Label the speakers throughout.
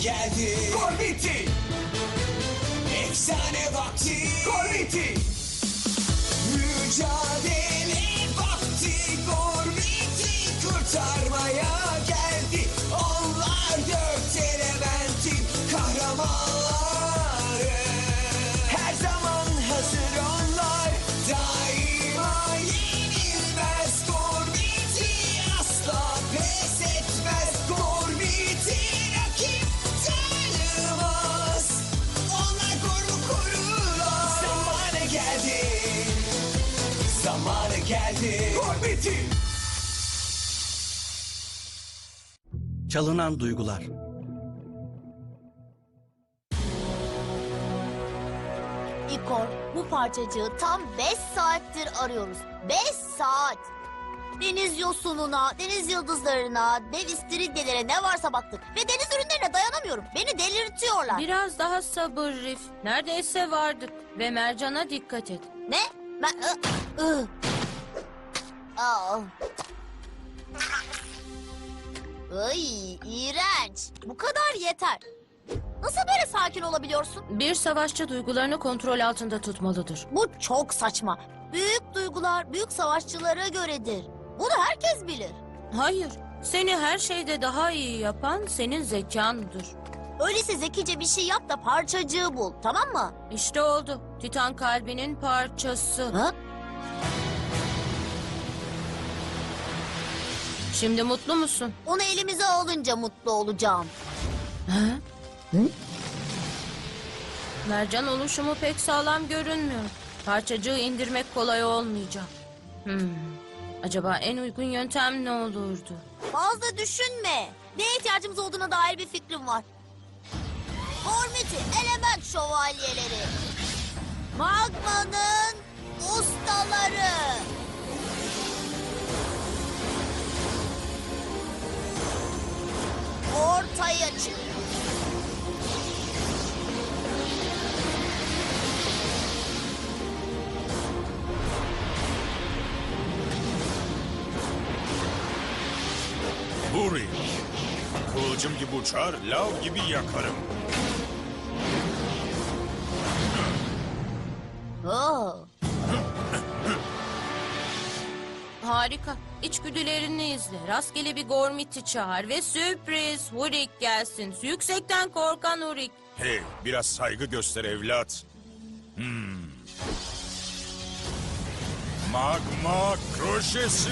Speaker 1: geldi.
Speaker 2: Gormiti!
Speaker 1: Efsane vakti.
Speaker 2: Gormiti!
Speaker 1: Mücadele vakti. Gormiti kurtarmaya geldi. Onlar dört elementin kahramanları. Her zaman hazır onlar. Daima yenilmez. Gormiti asla pes etmez. Gormiti rakip tanımaz. Onlar Gorm'u korurlar. Zamanı geldi. Zamanı geldi.
Speaker 2: Gormiti!
Speaker 3: Çalınan duygular.
Speaker 4: İkor, bu parçacığı tam 5 saattir arıyoruz. 5 saat. Deniz yosununa, deniz yıldızlarına, dev istiridye'lere ne varsa baktık. Ve deniz ürünlerine dayanamıyorum. Beni delirtiyorlar.
Speaker 5: Biraz daha sabır Rif. Neredeyse vardık. Ve mercana dikkat et.
Speaker 4: Ne? Aa. Ay, iğrenç. Bu kadar yeter. Nasıl böyle sakin olabiliyorsun?
Speaker 5: Bir savaşçı duygularını kontrol altında tutmalıdır.
Speaker 4: Bu çok saçma. Büyük duygular büyük savaşçılara göredir. Bunu herkes bilir.
Speaker 5: Hayır, seni her şeyde daha iyi yapan senin zekandır.
Speaker 4: Öyleyse zekice bir şey yap da parçacığı bul, tamam mı?
Speaker 5: İşte oldu. Titan kalbinin parçası.
Speaker 4: Ha?
Speaker 5: Şimdi mutlu musun?
Speaker 4: Onu elimize alınca mutlu olacağım.
Speaker 5: Mercan oluşumu pek sağlam görünmüyor. Parçacığı indirmek kolay olmayacak. Acaba en uygun yöntem ne olurdu?
Speaker 4: Fazla düşünme. Neye ihtiyacımız olduğuna dair bir fikrim var. Gormiti, element şövalyeleri. Magma'nın ustaları. Ortaya çık.
Speaker 6: Buri. Kılıcım gibi uçar, lav gibi yakarım.
Speaker 4: Oo.
Speaker 5: Harika. İçgüdülerini izle. Rastgele bir Gormit'i çağır ve sürpriz. Hurik gelsin. Yüksekten korkan Hurik.
Speaker 6: Hey, biraz saygı göster evlat. Magma kroşesi.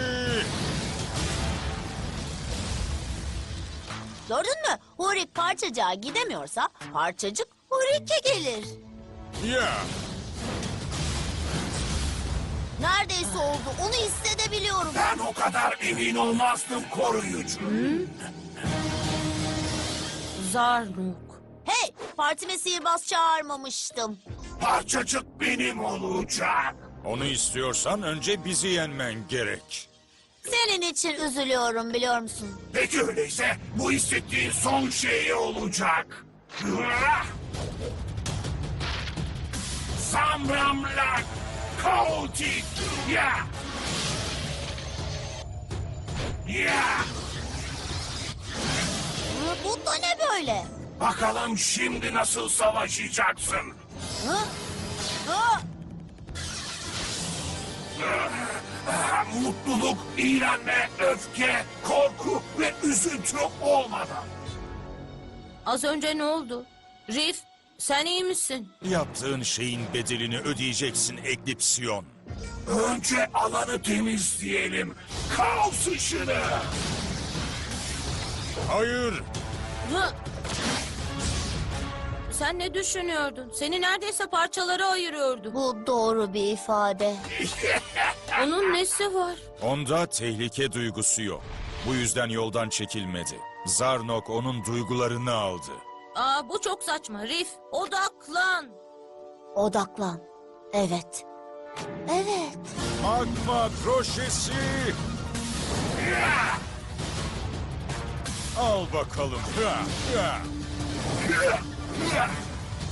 Speaker 4: Gördün mü? Hurik parçacığa gidemiyorsa parçacık Hurik'e gelir.
Speaker 6: Ya,
Speaker 4: Neredeyse oldu. Onu hissedebiliyorum.
Speaker 2: Ben o kadar emin olmazdım koruyucu.
Speaker 5: Zarnuk.
Speaker 4: Hey, partime sihirbaz çağırmamıştım.
Speaker 2: Parçacık benim olacak.
Speaker 6: onu istiyorsan önce bizi yenmen gerek.
Speaker 4: Senin için üzülüyorum biliyor musun?
Speaker 2: Peki öyleyse bu hissettiğin son şey olacak. Samramlak kaotik. Ya. Ya.
Speaker 4: Bu da ne böyle?
Speaker 2: Bakalım şimdi nasıl savaşacaksın?
Speaker 4: Hı? Hı?
Speaker 2: Mutluluk, iğrenme, öfke, korku ve üzüntü olmadan.
Speaker 5: Az önce ne oldu? Rif, sen iyi misin?
Speaker 6: Yaptığın şeyin bedelini ödeyeceksin Eklipsiyon.
Speaker 2: Önce alanı temizleyelim. Kaos ışını.
Speaker 6: Hayır,
Speaker 5: Hı? Sen ne düşünüyordun? Seni neredeyse parçalara ayırıyordu.
Speaker 4: Bu doğru bir ifade.
Speaker 5: Onun nesi var?
Speaker 6: onda tehlike duygusu yok. Bu yüzden yoldan çekilmedi. Zarnok onun duygularını aldı.
Speaker 5: Aa, bu çok saçma. Rif, odaklan.
Speaker 4: Odaklan. Evet. Evet.
Speaker 6: Magma kroşesi. Al bakalım. Ya, ya.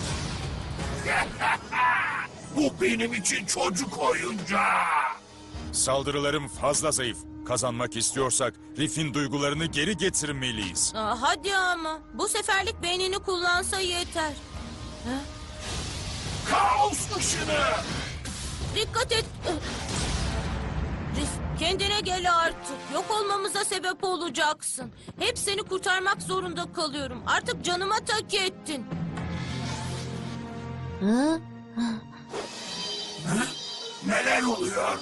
Speaker 2: Bu benim için çocuk oyuncağı.
Speaker 6: Saldırılarım fazla zayıf. Kazanmak istiyorsak Riff'in duygularını geri getirmeliyiz.
Speaker 5: Hadi ama. Bu seferlik beynini kullansa yeter.
Speaker 2: Kaos ışını.
Speaker 5: Dikkat et. Riff, kendine gel artık. Yok olmamıza sebep olacaksın. Hep seni kurtarmak zorunda kalıyorum. Artık canıma tak ettin.
Speaker 2: Neler oluyor?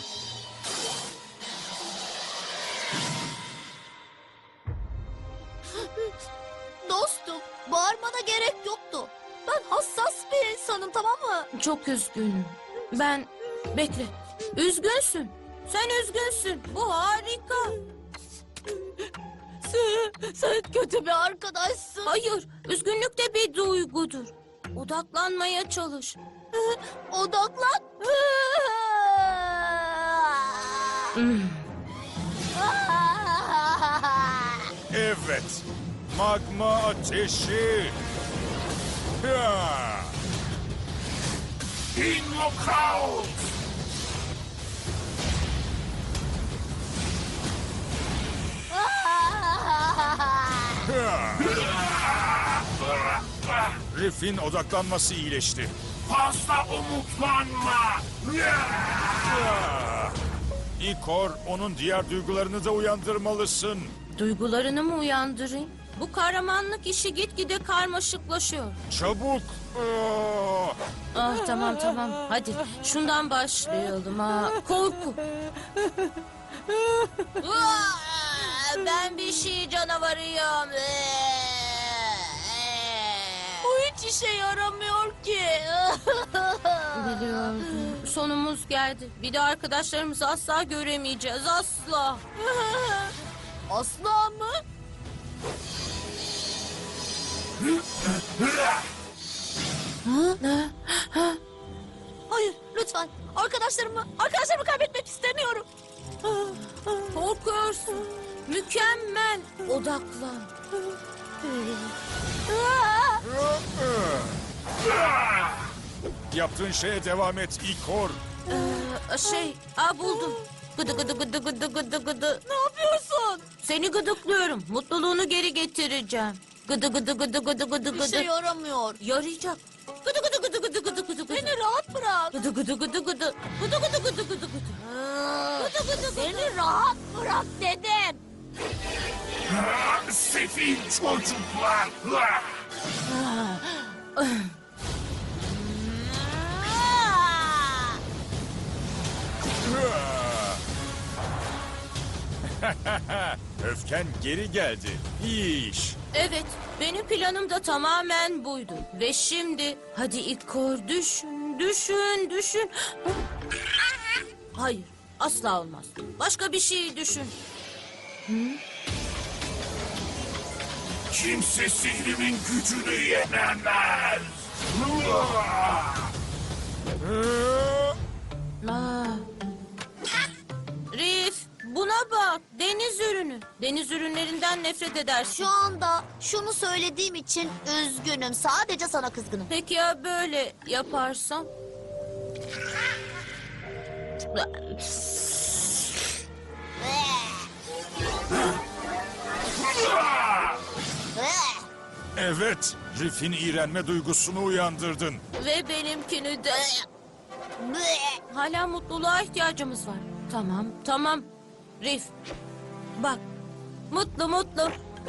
Speaker 4: Dostum, bağırmana gerek yoktu. Ben hassas bir insanım, tamam mı?
Speaker 5: Çok üzgünüm. Bekle. Üzgünsün. Sen üzgünsün. Bu harika.
Speaker 4: Sen kötü bir arkadaşsın.
Speaker 5: Hayır. Üzgünlük de bir duygudur. Odaklanmaya çalış.
Speaker 4: Odaklan.
Speaker 6: Evet. Magma ateşi. Ya!
Speaker 2: Invocaut.
Speaker 6: Ya! Riff'in odaklanması iyileşti.
Speaker 2: Fazla umutlanma.
Speaker 6: Ya! İkor, onun diğer duygularını da uyandırmalısın.
Speaker 5: Duygularını mı uyandırayım? Bu kahramanlık işi gitgide karmaşıklaşıyor.
Speaker 6: Çabuk.
Speaker 5: Tamam. Hadi şundan başlayalım. Korku. Ben bir şey canavarıyım.
Speaker 4: Bu hiç işe yaramıyor ki.
Speaker 5: Biliyordum. Sonumuz geldi. Bir de arkadaşlarımızı asla göremeyeceğiz. Asla.
Speaker 4: Asla mı? Hayır, lütfen. Arkadaşlarımı kaybetmek istemiyorum.
Speaker 5: Korkuyorsun. Mükemmel. Odaklan.
Speaker 6: Yaptığın şeye devam et İkor.
Speaker 5: Buldum. Gıdı gıdı gıdı gıdı gıdı gıdı.
Speaker 4: Ne yapıyorsun?
Speaker 5: Seni gıdıklıyorum. Mutluluğunu geri getireceğim. Gıdı gıdı gıdı gıdı gıdı
Speaker 4: Bir
Speaker 5: gıdı.
Speaker 4: şey yaramıyor.
Speaker 5: Yarayacak. Gıdı gıdı gıdı gıdı gıdı gıdı gıdı.
Speaker 4: Beni rahat bırak.
Speaker 5: Gıdı gıdı gıdı gıdı. Gıdı gıdı gıdı gıdı gıdı.
Speaker 4: Beni rahat bırak dedim.
Speaker 2: Sefil çocuklar.
Speaker 6: Öfken geri geldi. İyi iş.
Speaker 5: Evet, benim planım da tamamen buydu. Ve şimdi hadi İkor düşün. Hayır, asla olmaz. Başka bir şey düşün.
Speaker 2: Kimse sihrimin gücünü yenemez.
Speaker 5: Rif, buna bak. Deniz ürünü. Deniz ürünlerinden nefret edersin.
Speaker 4: Şu anda şunu söylediğim için üzgünüm. Sadece sana kızgınım.
Speaker 5: Peki ya böyle yaparsam?
Speaker 6: Evet, Riff'in iğrenme duygusunu uyandırdın.
Speaker 5: Ve benimkini de. Hala mutluluğa ihtiyacımız var. Tamam. Rif, bak. Mutlu.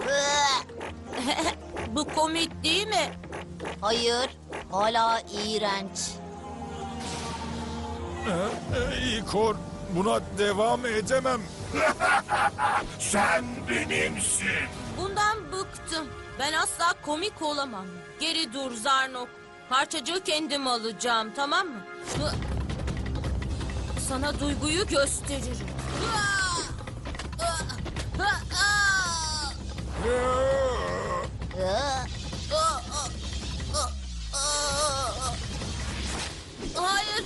Speaker 5: Bu komik değil mi?
Speaker 4: Hayır, hala iğrenç.
Speaker 6: İkor, buna devam edemem.
Speaker 2: Sen benimsin.
Speaker 5: Bundan bıktım. Ben asla komik olamam. Geri dur Zarnok. Parçacığı kendim alacağım, tamam mı? Sana duyguyu gösteririm. Hayır.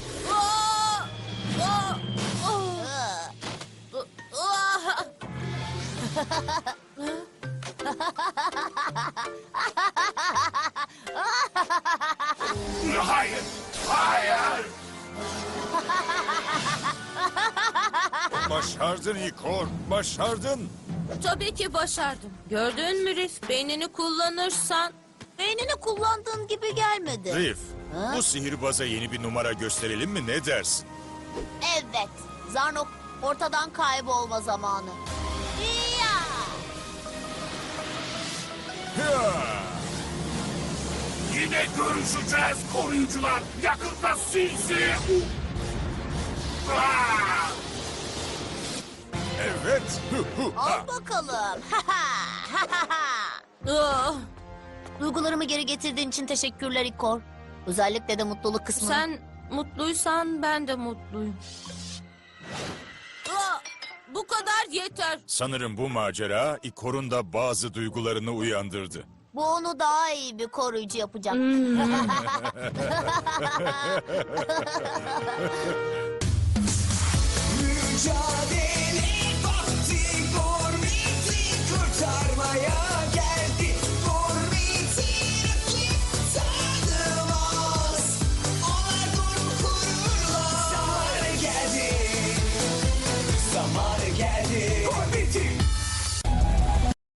Speaker 2: Hayır.
Speaker 6: Başardın Ikor, başardın.
Speaker 5: Tabii ki başardım. Gördün mü Rif? Beynini kullanırsan...
Speaker 4: Beynini kullandığın gibi gelmedi.
Speaker 6: Rif,
Speaker 4: Ha?
Speaker 6: bu sihirbaza yeni bir numara gösterelim mi, ne dersin?
Speaker 4: Evet. Zarnok ortadan kaybolma zamanı. Ya!
Speaker 6: Hıa!
Speaker 2: Yine görüşeceğiz koruyucular. Yakında sizi... Ah!
Speaker 6: Evet. Hu hu ha.
Speaker 4: Al bakalım.
Speaker 5: Ah,
Speaker 4: Duygularımı geri getirdiğin için teşekkürler İkor. Özellikle de mutluluk kısmı.
Speaker 5: sen mutluysan ben de mutluyum. Ah, bu kadar yeter.
Speaker 6: Sanırım bu macera Ikor'un da bazı duygularını uyandırdı.
Speaker 4: Bu onu daha iyi bir koruyucu yapacak.
Speaker 1: Mücadele